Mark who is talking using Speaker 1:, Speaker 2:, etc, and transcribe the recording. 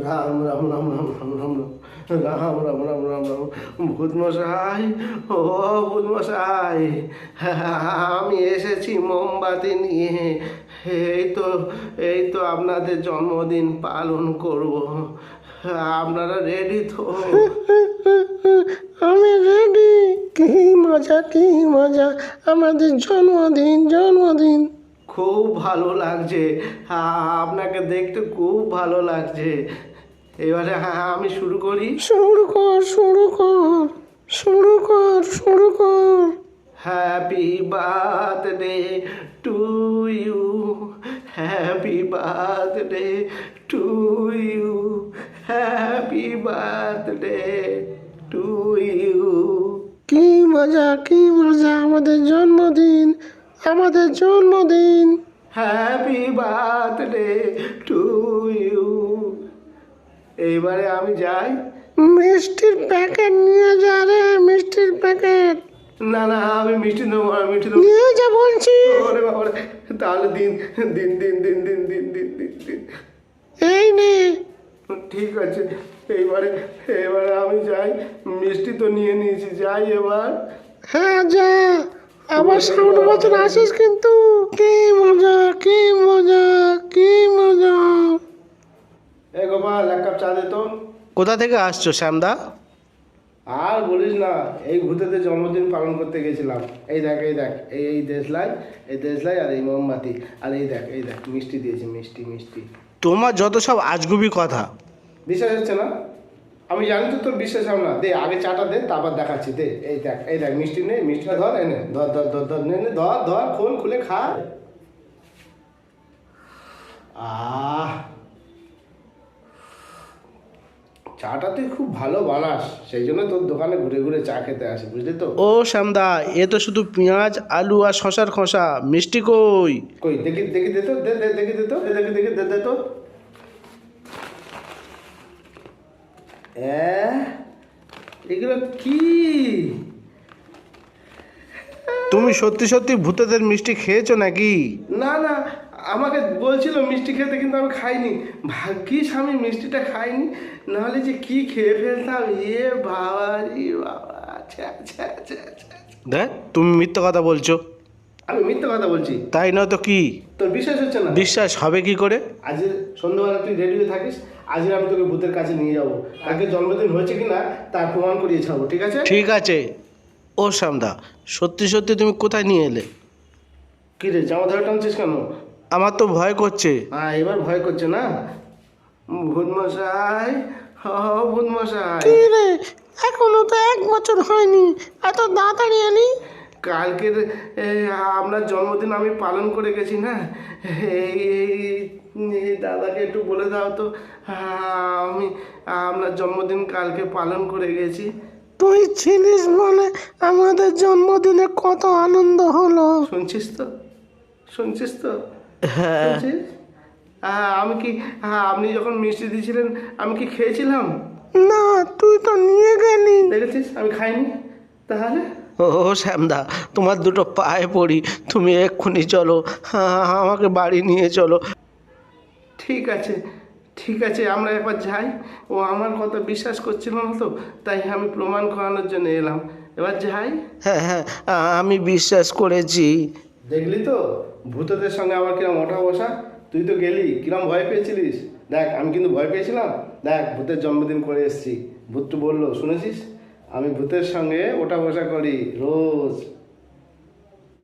Speaker 1: রাম রাম রাম রাম রাম রাম রাম রাম রাম রাম রাম ভূত মশাই, ও ভূত মশাই, আমি এসেছি মোমবাতি নিয়ে। এই তো আপনাদের জন্মদিন পালন করব। আপনারা রেডি তো?
Speaker 2: আমি রেডি। কি মজা, কি মজা, আমাদের জন্মদিন জন্মদিন।
Speaker 1: খুব ভালো লাগছে, আপনাকে দেখতে খুব ভালো লাগছে। এবারে আমি শুরু করি।
Speaker 2: শুরু কর, শুরু কর, শুরু কর, শুরু কর।
Speaker 1: Happy birthday to you, happy birthday to you, happy birthday to you.
Speaker 2: কি মজা, কি মজা, আমাদের জন্মদিন, আমাদের জন্মদিন।
Speaker 1: Happy birthday to you. এইবারে আমি যাই।
Speaker 2: মিষ্টির প্যাকেট নিয়ে যা রে, মিষ্টির প্যাকেট
Speaker 1: না না, আমি মিষ্টি দেবো, আমি মিষ্টি দেবো।
Speaker 2: নিয়ে যা বলছি।
Speaker 1: ওরে বাবারে, তাহলে দিন দিন দিন দিন দিন দিন দিন দিন দিন।
Speaker 2: এই নে।
Speaker 1: ঠিক আছে, এইবারে এবারে আমি যাই। মিষ্টি তো নিয়ে নিয়েছি, যাই এবার।
Speaker 2: হ্যাঁ যা, আবার সামনে বছর আসিস কিন্তু। কি মজা, কি মজা, কি মজা।
Speaker 1: এ গোপাল, এক কাপ চা দে তো।
Speaker 3: কোথা থেকে আসছো শ্যামদা?
Speaker 1: আর বলিস না, এই ভূতেদের জন্মদিন পালন করতে গেছিলাম। এই দেখ, এই দেখ, এই দেশলাই, এই দেশলাই আর এই মোমবাতি, আর এই দেখ, এই দেখ, মিষ্টি দিয়েছি, মিষ্টি মিষ্টি।
Speaker 3: তোমার যত সব আজগুবি কথা।
Speaker 1: বিশ্বাস হচ্ছে না? আমি জানি তো তোর বিশ্বাস হবে না। দে আগে চাটা দে, তারপর দেখাচ্ছি। দে, এই দেখ, এই দেখ, মিষ্টি নে, মিষ্টিটা ধর, এনে ধর ধর ধর ধর, নে নে, ধর ধর, খোল, খুলে খা। আহ, চাটা তুই খুব ভালো বানাস, সেই জন্য তোর দোকানে ঘুরে ঘুরে চা খেতে আসি, বুঝলি তো?
Speaker 3: ও শ্যামদা, এ তো শুধু পেঁয়াজ আলু আর শশার খোসা, মিষ্টি কই?
Speaker 1: কই দেখি, দেখি দে তো, দে দে, দেখি দে তো, দেখি দেখি, দে দে তো। এগুলো কি?
Speaker 3: তুমি সত্যি সত্যি ভূতেদের মিষ্টি খেয়েছো নাকি?
Speaker 1: না না, আমাকে বলছিল মিষ্টি খেতে, কিন্তু আমি খাইনি। ভাগ্যিস আমি মিষ্টিটা খাইনি, নাহলে যে কি খেয়ে ফেলতাম। এ বাবা রে বাবা, আচ্ছা আচ্ছা আচ্ছা আচ্ছা।
Speaker 3: দেখ, তুমি মিথ্যা কথা বলছো।
Speaker 1: আমি মিথ্যে কথা বলছি?
Speaker 3: তাই নয় তো কি?
Speaker 1: তোর বিশ্বাস হচ্ছে না?
Speaker 3: বিশ্বাস হবে কি করে?
Speaker 1: আজ সন্ধ্যাবেলা তুই রেডি হয়ে থাকিস, আজ আমি তোকে ভূতের কাছে নিয়ে যাবো। তাকে জন্মদিন হয়েছে কিনা তার প্রমাণ করিয়ে ছাড়বো, ঠিক আছে?
Speaker 3: ঠিক আছে। ও শ্যামদা, সত্যি সত্যি তুমি কোথায় নিয়ে এলে?
Speaker 1: কি রে, জামা ধরে টানছিস কেন?
Speaker 3: আমার তো ভয় করছে।
Speaker 1: হ্যাঁ, এবার ভয় করছে না? ভূত মশাই, ভূত মশাই,
Speaker 2: কি রে, এখনো তো 1 বছর হয়নি, এত তাড়াতাড়ি এলি?
Speaker 1: কালকের আপনার জন্মদিন আমি পালন করে গেছি না। এই এই দাদাকে একটু বলে দাও তো, আমি আপনার জন্মদিন কালকে পালন করে গেছি।
Speaker 2: তুই ছিলিস বলে আমাদের জন্মদিনে কত আনন্দ হলো।
Speaker 1: শুনছিস তো, শুনছিস তো?
Speaker 3: হ্যাঁ।
Speaker 1: শুনছিস? আমি কি, আপনি যখন মিষ্টি দিয়েছিলেন আমি কি খেয়েছিলাম?
Speaker 2: না, তুই তো নিয়ে গেলি।
Speaker 1: দেখেছিস আমি খাইনি, তাহলে?
Speaker 3: ও শ্যামদা, তোমার দুটো পায়ে পড়ি, তুমি এক্ষুনি চলো, আমাকে বাড়ি নিয়ে চলো।
Speaker 1: ঠিক আছে, ঠিক আছে, আমরা একবার যাই। ও আমার কথা বিশ্বাস করছিল না তো, তাই আমি প্রমাণ করানোর জন্য এলাম। এবার যাই।
Speaker 3: হ্যাঁ হ্যাঁ, আমি বিশ্বাস করেছি।
Speaker 1: দেখলি তো ভূতদের সঙ্গে আমার কিরম ওঠা বসা। তুই তো গেলি, কিরম ভয় পেয়েছিলিস। দেখ, আমি কিন্তু ভয় পেয়েছিলাম। দেখ, ভূতের জন্মদিন করে এসেছি। ভূতটু বললো, শুনেছিস? আমি ভূতের সঙ্গে ওঠা বসা করি রোজ।